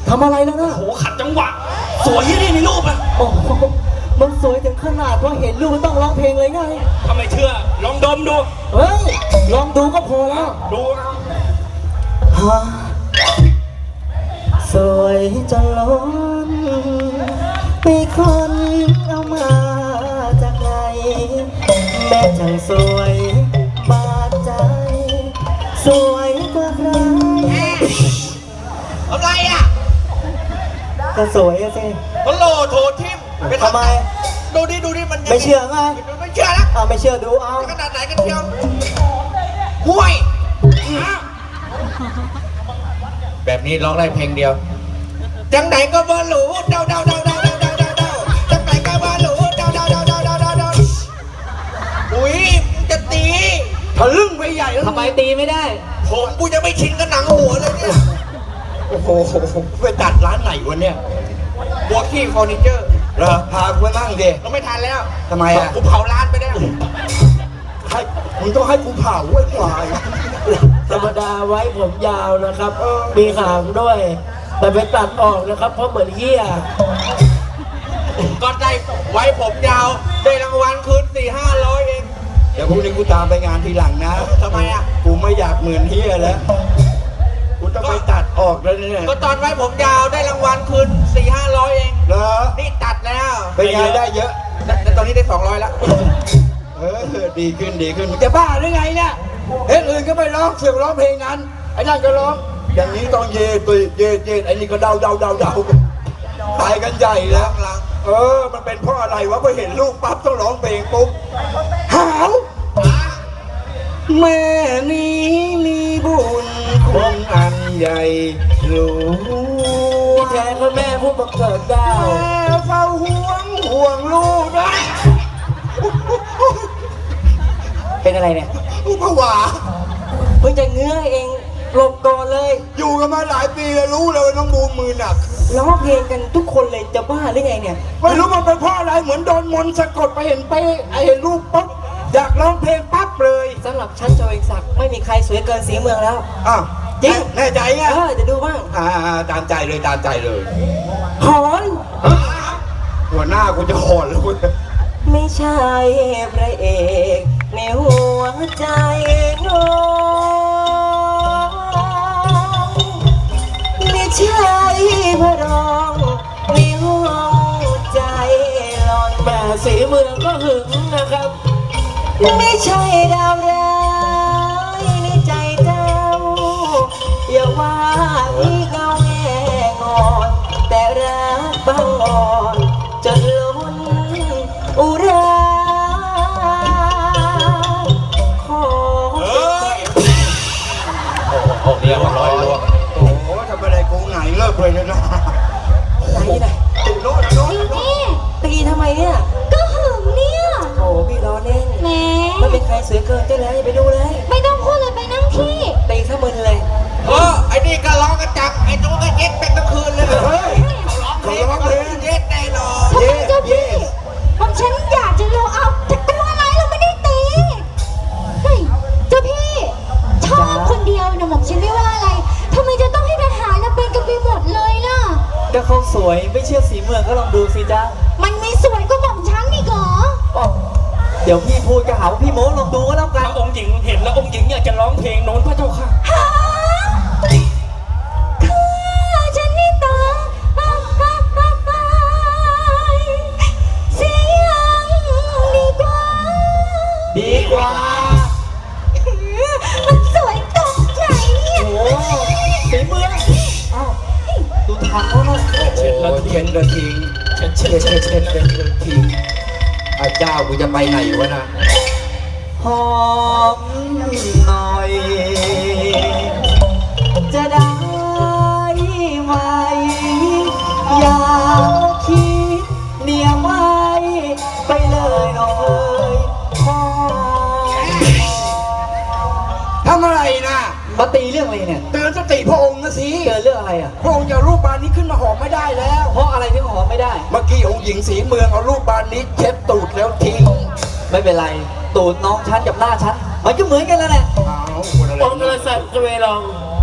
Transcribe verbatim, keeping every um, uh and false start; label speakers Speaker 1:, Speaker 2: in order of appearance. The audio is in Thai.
Speaker 1: ทำอะไรแล้วนะ
Speaker 2: โอ้โหขัดจังหวะสวยที่นี่ในรูปอะ
Speaker 1: โอ้โหมันสวยถึงขนาดว่าเห็นรูปมันต้องร้องเพลงเลยไง
Speaker 2: ถ้าไม่เชื่อลองดมดู
Speaker 1: เฮ้ยลองดูก็พอแล้ว
Speaker 2: ดูนะ
Speaker 1: ฮะสวยจนล้นมีคนเอามาจากไหนแม่จังสวยบาดใจสวยกว่าใคร
Speaker 2: อะไรอ่ะ
Speaker 1: ก็สวยอะสิ
Speaker 2: ฮัลโหลโทรทิม
Speaker 1: ทำไม
Speaker 2: ดูดิดูดิมัน
Speaker 1: ไม่เชื่อไง
Speaker 2: ไม่เชื่อแล้ว
Speaker 1: เอาไม่เชื่อดูเอา
Speaker 2: ขนาดไหนกันเชียวห่วยแบบนี้ร้องได้เพลงเดียวจังไหนก็บ่รู้เดาเดาเดาเดาเดาเดาเดาเดาจังไหนก็บ่รู้เดาเดาเดาเดาเดาเดาเดาอุ้ยจะตีทะลึ่งไปใหญ่แล้ว
Speaker 1: ทำไมตีไม่ได้
Speaker 2: ผมกูจะไม่ชินกับหนังหัวเลยเนี่ยโอ้โหไปตัดร้านไหนวะเนี่ยบัวขี้เฟอร์นิเจอร์
Speaker 3: เหรอพากูไปนั่งดิ
Speaker 2: เราไม่ทันแล้ว
Speaker 3: ทำไมอ่ะ
Speaker 2: กูเผาร้านไปแล้ว
Speaker 3: ให้มึงต้องให้กูเผาไว้ก่อน
Speaker 1: ธรรมดาไว้ผมยาวนะครับมีหางด้วยแต่ไปตัดออกนะครับเพราะเหมือนเหี้ย
Speaker 2: ก็ได้ไว้ผมยาวได้รางวัลคืนสี่ห้าร้อยเอง
Speaker 3: เดี๋ยวพรุ่งนี้กูตามไปงานทีหลังนะ
Speaker 2: ทำไมอ่ะ
Speaker 3: กูไม่อยากเหมือนเหี้ยแล้วกูต้องไปตัดออกแล้วเนี่ย
Speaker 2: ก็ตอนไว้ผมยาวได้รางวัลคืนสี่ห้าร้อยเอง
Speaker 3: เหรอ
Speaker 2: นี่ตัดแล้ว
Speaker 3: เป็นไงได้เยอะ
Speaker 2: แต่ตอนนี้ได้สองร้อยแล้ว
Speaker 3: เออดีขึ้นดีขึ้นมึงจะบ้าหรือไงเนี่ยเพลงอื่นก็ไม่ร้องเสียงร้องเพลงนั้นไอ้นั่นก็ร้องอย่างนี้ต้องเย่ตุยเย่เย่ไอ้นี่ก็เดาเดาเดาเดาตายกันใหญ่แล้วเออมันเป็นเพราะอะไรวะพอเห็นลูกปั๊บต้องร้องเพลงปุ๊บหาวแม่นี้มีบุญคุณอันใหญ่หลวง
Speaker 1: ที่แท้ก็แม่ผู้บังเกิดเก้า
Speaker 3: แม่เฝ้าห่วงห่วงลูกนะ
Speaker 1: เป็นอะไรเนี่ย
Speaker 3: ลูกผวา
Speaker 1: เพิ่งจะเงื้อเองหลบก่อนเลย
Speaker 3: อยู่กันมาหลายปีแล้วรู้เลยว่าน้องบูมมือหนัก
Speaker 1: ร้องเพลงกันทุกคนเลยจะบ้าหรือไงเนี่ย
Speaker 3: ไม่รู้มันเป็นเพราะอะไรเหมือนโดนมนต์สะกดไปเห็นไปไอ้รูปปุ๊บอยากร้องเพลงปั๊บเลย
Speaker 1: สำหรับชั้นโจเอกศักดิ์ไม่มีใครสวยเกินสีเมืองแล้ว
Speaker 3: อ้าว
Speaker 1: จริง
Speaker 3: แน่ใจไง
Speaker 1: เออจะดูบ้าง
Speaker 3: อ่าตามใจเลยตามใจเลย
Speaker 1: หอน
Speaker 3: หัวหน้ากูจะหอนแล้วกู
Speaker 1: ไม่ใช่พระเอกในหัวใจน้องไม่ใช่พระรองในหัวใจหลอนแต่สีเมืองก็หึงนะครับไม่ใช่ดาวร้ายในใจเจ้าอย่าว่าพี่เงาแง่งอนแต่รักบังอ่อนจนล้นอุราขอ
Speaker 2: เฮ้ยโอ้โหเรียบร้อยแล้ว
Speaker 3: โอ้โหทำอะไรกูไงเลิกเลยนะ
Speaker 1: ไหนไหน
Speaker 3: ตีโน้ตโน้ต
Speaker 1: ตีทำไมเนี่ย
Speaker 4: ก็หึงเนี่ย
Speaker 1: โอ้พี่ล้อเล่น
Speaker 4: แหม
Speaker 1: ไม่เป็นใครสวยเกินเจ้าแล้วอย่าไปดูเลย
Speaker 4: ไม่ต้องพูดเลยไปนั่งที่
Speaker 1: ตีซะมึนเลย
Speaker 2: เออไอ้นี่ก็ร้องกระจับไอ้นู้นก็เย็ดเป็นทั้งคืนเลย
Speaker 3: เฮ้ย
Speaker 2: เขาร้องเพลงเย็ดแน่นอน
Speaker 4: ทำไมเจ้าพี่ผมฉันอยากจะรู้เอาจะตัวอะไรเราไม่ได้ตีเฮ้ยเจ้าพี่ชอบคนเดียวนะผมฉันไม่ว่าอะไรทำไมจะต้องให้ทหารเราเป็นกันไปหมดเลยล่ะ
Speaker 1: ก็เขาสวยไม่เชื่อสีเมืองก็ลองดูสิจ้า
Speaker 4: มันไม่สวยก็หม่อมฉันนี่เหรอ
Speaker 1: เดี๋ยวพี่พูดก็หาว่าพี่โม้ลองดูก็แล้วกัน
Speaker 2: องค์หญิงเห็นแล้วองค์หญิงอยากจะร้องเพลงโน้นพระเจ้าค่ะ
Speaker 4: ฮะคือฉันนี่ตาเสียงดีกว่า
Speaker 1: ดีกว่า
Speaker 4: มันสวยตรงใจเนี่ย
Speaker 1: โอ้สีเมืองอ้าวดูทางเขาเนาะ
Speaker 3: โอ้โหเช็ดกระทิงเช็ดเช็ดเช็ดเช็ดเช็ดกระทิงอาเจ้ากูจะไปไหนวะนะ
Speaker 1: หอมหน่อยจะได้ไหมอย่าคิดเหนียวไว้ไปเลยน้องเอ๋ยหอม
Speaker 3: ทำอะไรนะ
Speaker 1: มาตีเรื่องอะไรเนี่ย
Speaker 3: เตือนสติพระองค์นะสิ
Speaker 1: เตือนเรื่องอะไรอ่ะ
Speaker 3: พระองค์อย่ารูปบานนี้ขึ้นมาหอมไม่ได้แล้ว
Speaker 1: เพราะอะไรถึงหอมไม่ได้
Speaker 3: เมื่อกี้องค์หญิงสีเมืองเอารูปบานนี้เช็ดตูดแล้วทิ้ง
Speaker 1: ไม่เป็นไรตูดน้องฉันกับหน้าฉันมันก็เหมือนกันแล้วแหละ
Speaker 3: อ้าวคนอะไร
Speaker 1: องค์กษัตริย์เวลอง